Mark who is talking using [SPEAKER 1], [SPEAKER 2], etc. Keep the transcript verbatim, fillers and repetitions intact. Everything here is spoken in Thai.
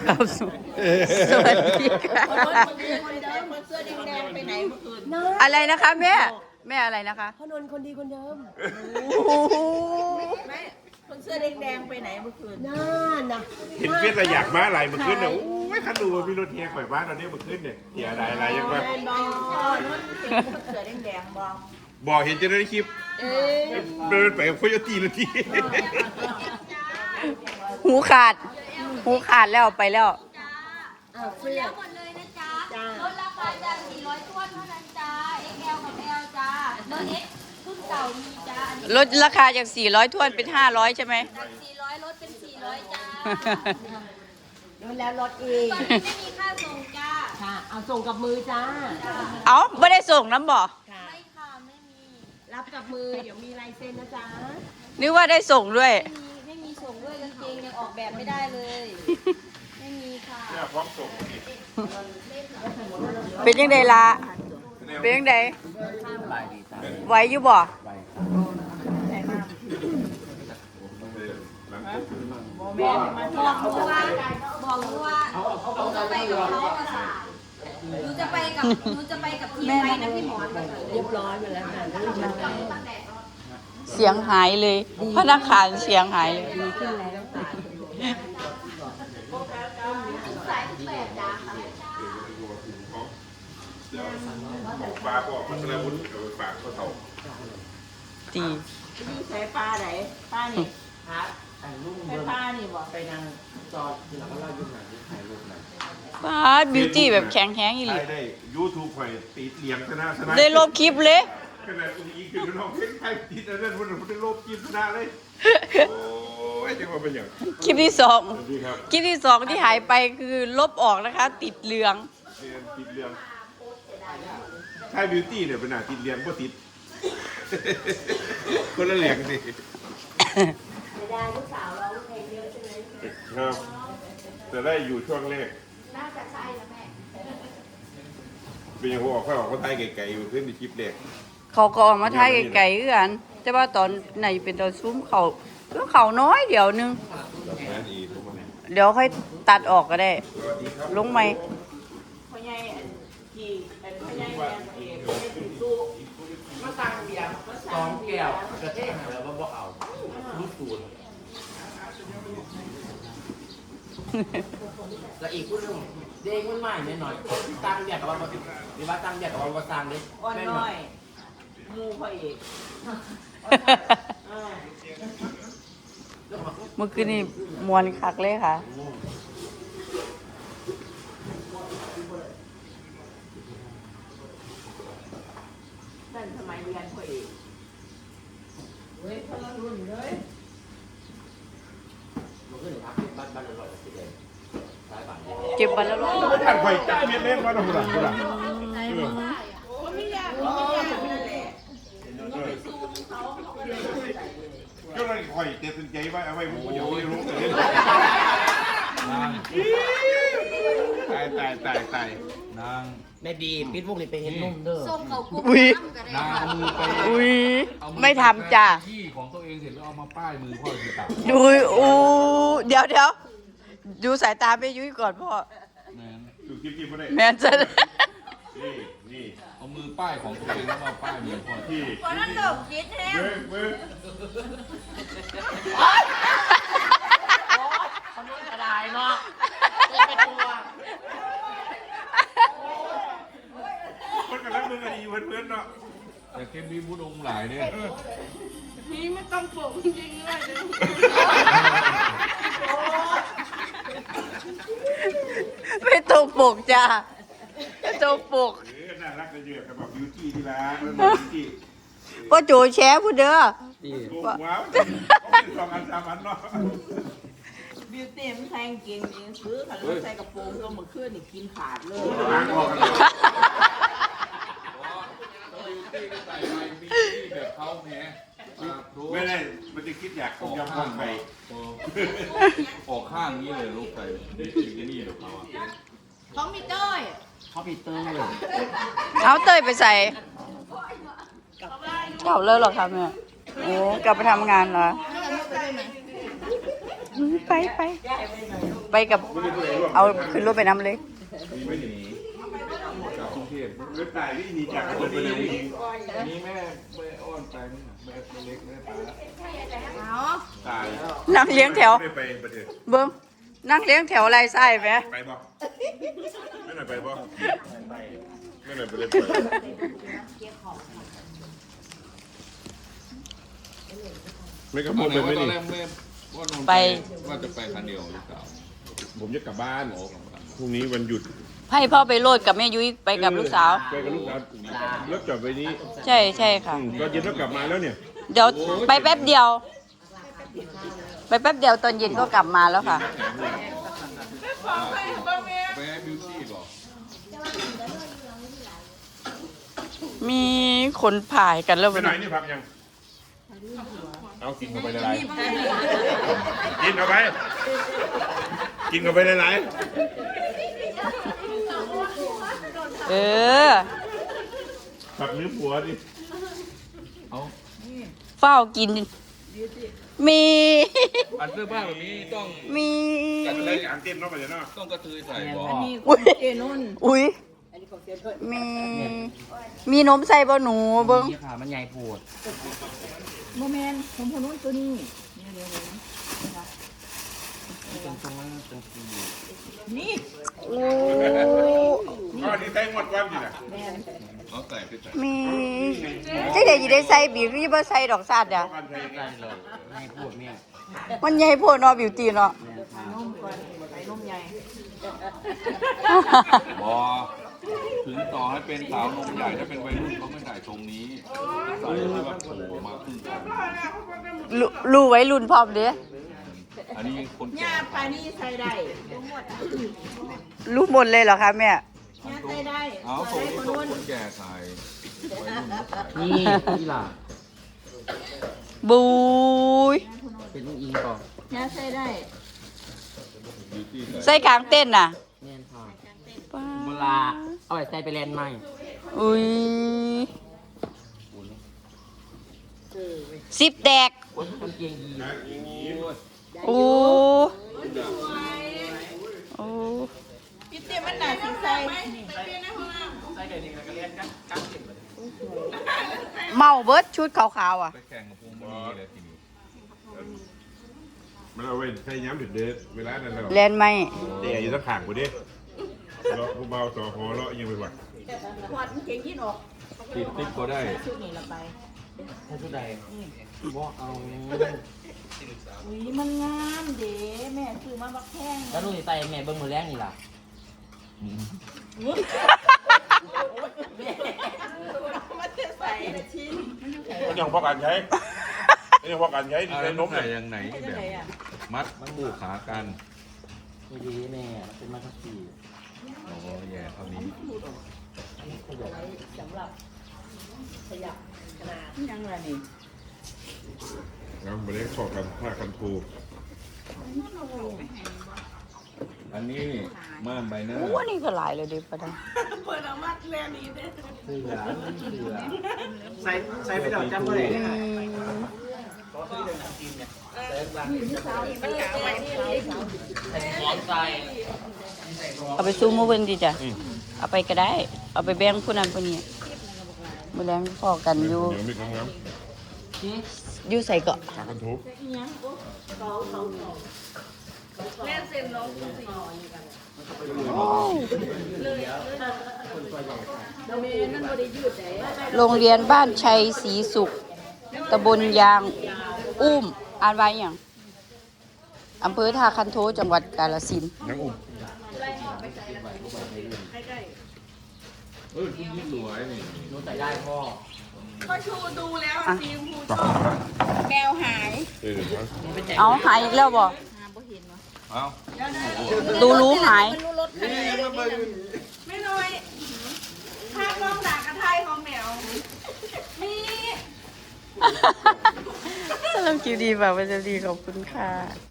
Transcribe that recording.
[SPEAKER 1] ครับสวัสดีค่ะ
[SPEAKER 2] เสื้อแดงๆไปไหนเมื่อคืน
[SPEAKER 1] อะไรนะคะแม่แม่อะไรนะคะ
[SPEAKER 3] พ่อนนท์คนดีคนเดิม
[SPEAKER 2] แม่คนเสื้อแดงๆไปไหนเมื่อคืน
[SPEAKER 3] น่านะ
[SPEAKER 4] เห็นเฟียสอยากมาอะไรมาขึ้นเนี่ยโอ้ยคันดูว่าพี่รถเทียข่อยบ้านตอนนี้มาขึ้นเนี่ยเทียอะไรอะไรยังไง
[SPEAKER 2] แม่บอกนุ่นเป็นคนเสื้อแดงๆบอก
[SPEAKER 4] บอกเห็นจะได้คลิป
[SPEAKER 2] เอ๊ะ
[SPEAKER 4] เดินไปกับโคโยตี้นาที
[SPEAKER 1] หูขาด หูขาดแล้วไปแล้ว
[SPEAKER 3] อ้าวเสื้อ
[SPEAKER 5] หมดเลยนะจ๊ะลดราคาจากสี่ร้อยถ้วนเท่านั้นจ้า เอ็กซ์ แอล กับ L จ้าเบอร์ X รุ่นเก่ามีจ้า อันนี้
[SPEAKER 1] ลดราคาจากสี่ร้อยถ้วนเป็นห้าร้อยใช่ไหม
[SPEAKER 5] จากสี่ร้อยลดเป็นสี่ร้อยจ้า
[SPEAKER 3] โดนแล้วรถอีก
[SPEAKER 5] ตอนนี้ไม่มีค่าส่งจ้า
[SPEAKER 3] ค่ะ เอาส่งกับมือจ้า
[SPEAKER 1] เอาไม่ได้ส่งน้ำบ่
[SPEAKER 3] ค่ะ
[SPEAKER 5] ไม่ค่ะไม่มี
[SPEAKER 3] รับกับมือ เดี๋ยวมีลายเซ็นนะจ๊ะ
[SPEAKER 1] นึกว่าได้ส่งด้วย
[SPEAKER 5] ไม่มีไม่มีส่งด้วยกางเกงยังออกแบบไม่ได้เลย ไม่มีค่ะ
[SPEAKER 4] เนี่ยพร้อมส่ง
[SPEAKER 1] เป็นยังไงล่ะเป็นยังไงไหวอยู่บ่
[SPEAKER 2] แม่มาท
[SPEAKER 5] บ
[SPEAKER 2] อ
[SPEAKER 5] อง กหนูว่าบอกหนูว่าหนูจะไปกับเขาอะค่ะหนูจะไปกับหนูจะไปกับทีมไปนะพี่หมอนมาเลย
[SPEAKER 3] เรียบร้อยหมดแล้วค่ะเรื่องมันแล้ว
[SPEAKER 1] เสียงหายเลย พนักงานเสียงหายเลย
[SPEAKER 3] ดีขึ้นแล้วค่ะ
[SPEAKER 5] สายแปดจ้าค่ะ
[SPEAKER 4] ปลาบอกมันแล้ววุ้นเอาไปฝากเขาเท่า
[SPEAKER 1] ตี
[SPEAKER 2] นี่ใช้ปลาไหนปลานี่ใช้ปลานี่บอก
[SPEAKER 1] ป้าบิวตี้แบบแข็งแข็งอีหลี
[SPEAKER 4] ได้ได้ยูทูบข่อยติดเหลียงชนะชนะ
[SPEAKER 1] ได้ลบคลิปเลย
[SPEAKER 4] ขนาดอุ้งอิงคือน้องเพ่งไทยติดอันนั้นมันได้ลบคลิปชนะเลยโอ้ยจังหวะเป็นอย่าง
[SPEAKER 1] คลิปที่สอง
[SPEAKER 4] สวัสดีครับ
[SPEAKER 1] คลิปที่สองที่หายไปคือลบออกนะคะ ติดเหลือง
[SPEAKER 4] เรียนติดเรียงใช่บิวตี้เนี่ยเป็นหน้าติดเรียงก็ติด คนละเหลียงสิ
[SPEAKER 3] ไม่ได้ลูกสาวเราเพลงเยอะใช่ไหม
[SPEAKER 4] ครับจะได้อยู่ช่วงแรก
[SPEAKER 5] น่าจะใช่นะแม่
[SPEAKER 4] เป็นอย่างหัวออกค่อยออกก็ไทยไก่ๆอยู่ขึ้นในคลิปแรก
[SPEAKER 1] เขาก็ออกมาถ่ายไกลๆคือกันแต่ว่าตอนไหนเป็นตอนซุ้มเขาก็เขาน้อยเดี๋ยวนึง
[SPEAKER 4] แบบนั้นอีกทุกคน
[SPEAKER 1] เดี๋ยวค่อยตัดออกก็ได้
[SPEAKER 4] สวัสดีครับ
[SPEAKER 1] ลงไหม
[SPEAKER 2] พ่อใหญ่อันที่อันพ่อใหญ่แดงเอกไม่ถึงตู้มาสั่งเบียร์มา
[SPEAKER 6] ส
[SPEAKER 2] สั่
[SPEAKER 6] อง งแก้วกระเทงแล้วก็บอกเอาลูกตูนแล้วอีกผู้หนึงเด็กมันใหม่นิดหน่อยตั้งเบียกกับว่าหรือว่าตั้งเบียกกับว่าสร้างเด็ก
[SPEAKER 2] อ่อนน้อยหมูพ่อเอกอ่า
[SPEAKER 1] เมื่อคืนนี้มวนคักเลยค่ะ
[SPEAKER 2] นั่นสมัยเรียนพ่อเอกเฮ้ยพลังรุ่นเลย
[SPEAKER 6] มันก็หนึ่งพักบ้านบ้านอร่อยสิเด็กสายบ้าน
[SPEAKER 1] เก็บบันแล้วร้อย
[SPEAKER 4] ท่านไข่จ้าเม็ดเล่นมาหน่อยหน่อยหน่อย
[SPEAKER 2] ก็ไม่ยากก็ไม่ยากนั่นแหละ
[SPEAKER 4] ก็เลยไข่เต็มใจไว้เอาไว้ผมเดี๋ยวไม่รู้เลยตายตายตายตาย
[SPEAKER 6] นางแม่บีปิดมุกนี่ไปเห็นนุ่มเด้อ
[SPEAKER 5] ส้มเขากุ้ง
[SPEAKER 1] อุ้ย
[SPEAKER 5] น้ำกันได้ค่ะ
[SPEAKER 6] นางเอามือไป
[SPEAKER 1] อุ้ย
[SPEAKER 6] เอาอ
[SPEAKER 1] ไม่ทำจ้ะ
[SPEAKER 6] ที่ของตัวเองเสร็จแล้วเอามาป้ายมือพ่อคือตับ
[SPEAKER 1] ดูอู้เดี๋ยวเดี๋ยวดูสายตาไปยุ้ยก่อนพ่อ
[SPEAKER 6] แมน
[SPEAKER 4] ดูคลิปคลิปมาได้
[SPEAKER 1] แมนจะ
[SPEAKER 4] นี่นี่
[SPEAKER 6] เอามือป้ายของตัวเองแล้วมาป้ายมือพ่อ
[SPEAKER 4] ที่
[SPEAKER 5] คนนั้นตกคิดแท้
[SPEAKER 4] เว้ยเว้ย
[SPEAKER 3] คนนู้นกระดายเนาะไม่กลัว
[SPEAKER 4] คนกำลังมึงกันดีเพื่อนๆเนาะ
[SPEAKER 6] แต่เข้มมีบุญองค์หลายเนี่ย
[SPEAKER 2] นี่ไม่ต้องปลุกจริงๆเลย
[SPEAKER 1] ไม่ตรงปกจ้ะไม่ตรงปก
[SPEAKER 4] เออน่ารักจะเยอะกับแบบบิวตี้ที่ร้านแล้วบิวตี้
[SPEAKER 1] พ่อโจแชร์พูดเด้อ
[SPEAKER 4] ถูกว้าวเป็นสองอันสามอันเนาะ
[SPEAKER 2] บิวตี้มันแทงกินเองซื้อค่ะแล้วใส่กระโปรงก็มาขึ้นนี่กินขาดเลย
[SPEAKER 4] ล้างออกกันเลย
[SPEAKER 6] บิวตี้ก็ใส่ไปบิวตี้แบบเขาแหม
[SPEAKER 4] ไม่ได้มันจะคิดอยากยำคนไป
[SPEAKER 6] ออกข้างนี้เลยลูกใส่นี่นี่เดี๋ยวเขาอ่ะ
[SPEAKER 5] เขามีเต้ย
[SPEAKER 6] เขาปีเตอร์เลย
[SPEAKER 1] เอาเตยไปใส่เก่าเลิกหรอครับแม่โอ้กลับไปทำงานเหรอ
[SPEAKER 5] ให้กันลูกไปด้วยไหม
[SPEAKER 1] ไปไป
[SPEAKER 2] แก้ไปหน่อยลูก
[SPEAKER 1] ไปกับเอาขึ้นรถไปน้ำเลย
[SPEAKER 4] มีไม่หนีจากกรุงเทพรถตายที่หนีจากกรุงเทพนี่แม่แม่อ้อนไปแม่เล็กแม่ตายตาย
[SPEAKER 1] นั่งเลี้ยงแถว
[SPEAKER 4] ไม่ไปประเทศ
[SPEAKER 1] เบิ้งนั่งเลี้ยงแถวไรไส้ไหม
[SPEAKER 4] ไปบ่ไม่ไหนไปบ่ไม่ไหนไปเลยไม่กระโปรงไปไม่
[SPEAKER 7] ตอ
[SPEAKER 4] ดี
[SPEAKER 7] นแรกแม่ว่านนท์
[SPEAKER 1] ไป
[SPEAKER 7] ว่าจะไปคันเดียวหรือเปล่า
[SPEAKER 4] ผมจะกลับบ้านพรุ่งนี้วันหยุด
[SPEAKER 1] ให้พ่อไปโลดกับแม่ยุ้ยไปกับลูกสาว
[SPEAKER 4] ไปกับลูกสาวรถจอดไว้นี้
[SPEAKER 1] ใช่ใช่ค่ะ
[SPEAKER 4] ตอนเย็นต้องกลับมาแล้วเนี่ย
[SPEAKER 1] เดี๋ยวไปแป๊บเดียว ไปแป๊บเดียวตอนเย็นก็กลับมาแล้วค่ะ
[SPEAKER 7] ไปให้บิวตี้ก่อน
[SPEAKER 1] มีคนผ่ายกันแล้ว
[SPEAKER 4] ไป
[SPEAKER 1] วัน
[SPEAKER 4] ไหน
[SPEAKER 1] นี้
[SPEAKER 4] นี่พักยังเอากินเข้าไปหลายๆกินเข้าไปกินเข้าไปหลาย
[SPEAKER 1] เออ
[SPEAKER 4] ๆผักนื้อผัวดิ
[SPEAKER 1] เฝ้ากิน มี
[SPEAKER 7] อันเสื้อผ้าแบบนี้ต้อง
[SPEAKER 1] มี
[SPEAKER 4] กันเลยอ่างเต็มเนาะไปเนาะ
[SPEAKER 7] ต้องกระเทยใส่บ่
[SPEAKER 1] อุ้ยอุ้ยมี มีนมใส่บ่หนูเบิ้ง
[SPEAKER 6] นี่ค่ะมันใหญ่โพด
[SPEAKER 5] โมเมนต์ผมคนนู้นตัวนี้
[SPEAKER 6] ตรงตรงนั้นตรงที่
[SPEAKER 5] นี่
[SPEAKER 1] โอ้
[SPEAKER 4] ก็นี่ใส่หมดความจริงอ่ะ
[SPEAKER 7] เอาใส่ไปใส่
[SPEAKER 1] มีจังได๋สิได้ใส่บีบนี่บ่ใส่ดอกซาดอ่ะ
[SPEAKER 4] กันใส่
[SPEAKER 6] ได้เลยใหญ่โพดแม่
[SPEAKER 1] มันใหญ่โพดเนาะบิวตี้เนาะ
[SPEAKER 7] บ่ถึงต่อให้เป็นสาวนมใหญ่ถ้าเป็นวัยรุ่นเขาไม่ใส่ตรงนี้ใส่ให้แบบโผล่มาครึ่งตัว
[SPEAKER 1] รู้รู้ไว้รุ่นพร้อมเด้
[SPEAKER 7] อันนี้คนแก่
[SPEAKER 5] ญาติปานี่ใส่ได้ทั้งหมด
[SPEAKER 1] รู้หมดเลยเหรอคะแม่
[SPEAKER 5] ญาติใส่ได้
[SPEAKER 7] เอา
[SPEAKER 5] ใส่
[SPEAKER 7] ส่ง
[SPEAKER 5] ได้คน
[SPEAKER 7] ส่ง
[SPEAKER 5] นู้น
[SPEAKER 7] คนแก่ใส่วัยรุ่นใส่
[SPEAKER 6] นี่นี่ล่ะ
[SPEAKER 1] บุย
[SPEAKER 6] เป็นลูกอิงก่อน
[SPEAKER 5] ญาติใส่ได้
[SPEAKER 7] บิวตี้ใส่
[SPEAKER 1] ใส่กลางเต้นน่ะ
[SPEAKER 6] แน่นค่ะเวลาเอาไปใส่ไปแลนด์ใหม่
[SPEAKER 1] อุ้ยสิบแตก
[SPEAKER 6] โอ้ยกางเกงยีน
[SPEAKER 1] โอ้โอ้
[SPEAKER 5] พี่เตี้ยมันหนาสีใส่
[SPEAKER 1] เมาเบิร์ดชุดขาวๆอ่ะ
[SPEAKER 7] ไปแข่งกับพวงมณีเลยทีนี้
[SPEAKER 4] มันเอาไว้ใส่ย้ำเด็ดๆเวลานั้นเรา
[SPEAKER 1] แลนไหม
[SPEAKER 4] เดี๋ยวอยู่สักข่างกูดิเลาะเบาๆต่อหอเลาะยังไปวัด
[SPEAKER 5] ขวดมันเก่งยิ่งออก
[SPEAKER 7] ติดติ๊กก็ได้
[SPEAKER 5] ชุดนี้ละไป
[SPEAKER 6] ถ้าชุดใดบอกเอา
[SPEAKER 5] อุ้ยมันงามเด้แม่ซื้อมาบักแข้ง
[SPEAKER 6] แล้วลูกใส่แม่เบิ้งมือแรกนี่ล่ะ
[SPEAKER 5] มันจะใส่ชิ้น
[SPEAKER 4] มันยังพอการใช้มันยังพอการใช้ที่
[SPEAKER 7] อะไร
[SPEAKER 4] ใช้น
[SPEAKER 7] น
[SPEAKER 4] ม
[SPEAKER 7] ก
[SPEAKER 4] เนี่
[SPEAKER 7] ใส่
[SPEAKER 4] ย
[SPEAKER 7] ยังไหนแบบมัดคู่ขากัน
[SPEAKER 6] นี่ดีแม่เป็นมาทักซี่
[SPEAKER 7] โอ้แย่เท่านี้
[SPEAKER 5] ยังไงนี่
[SPEAKER 4] งั้นมาเล่นขอกันผ้ากันทู
[SPEAKER 7] อันนี้ม่านใบหน้า
[SPEAKER 1] โอ้อันนี่ก็หลายเลยดิประดัง
[SPEAKER 5] เปิดออกมาแลนี่เด้
[SPEAKER 6] เสือเสือ
[SPEAKER 2] ใส่ใส่ไปดอกจำบ่ได้
[SPEAKER 1] อืม
[SPEAKER 6] ร้อนใจ
[SPEAKER 1] เอาไปซูมมาเบิ่งดิจ้ะเอาไปก็ได้ เอาไปแบ่งผู้นั้นผู้นี้มื้อแลงพอกันอยู่
[SPEAKER 4] เดี๋ยวมีคำงาม
[SPEAKER 1] อยู่ใส่เกาะ
[SPEAKER 4] ผ้ากันทู
[SPEAKER 5] แม่เซ็นน้อง
[SPEAKER 1] โรงเรียนบ้านชัยศรีสุขตำบลยางอุ้มอ่านไว้อย่างอำเภอท่าคันโทจังหวัดกาฬสินธุ์
[SPEAKER 4] ยังอุ้ม
[SPEAKER 7] เออคุณนี่สวยนี่
[SPEAKER 6] หนูใส่ได้พ่อ
[SPEAKER 5] ก็ชูดูแล้วสีชมพูชอบแมวหาย
[SPEAKER 4] เออ
[SPEAKER 1] เอาหายอีกแล้วบ่
[SPEAKER 7] เอา
[SPEAKER 1] ดูรู้หาย
[SPEAKER 5] มันรู้รถคันไหนไม่น้อยภาพกล้องด่ากระไทยของแมวมี
[SPEAKER 1] สำหรับคลิปดีแบบว่าจะดีขอบคุณค่ะ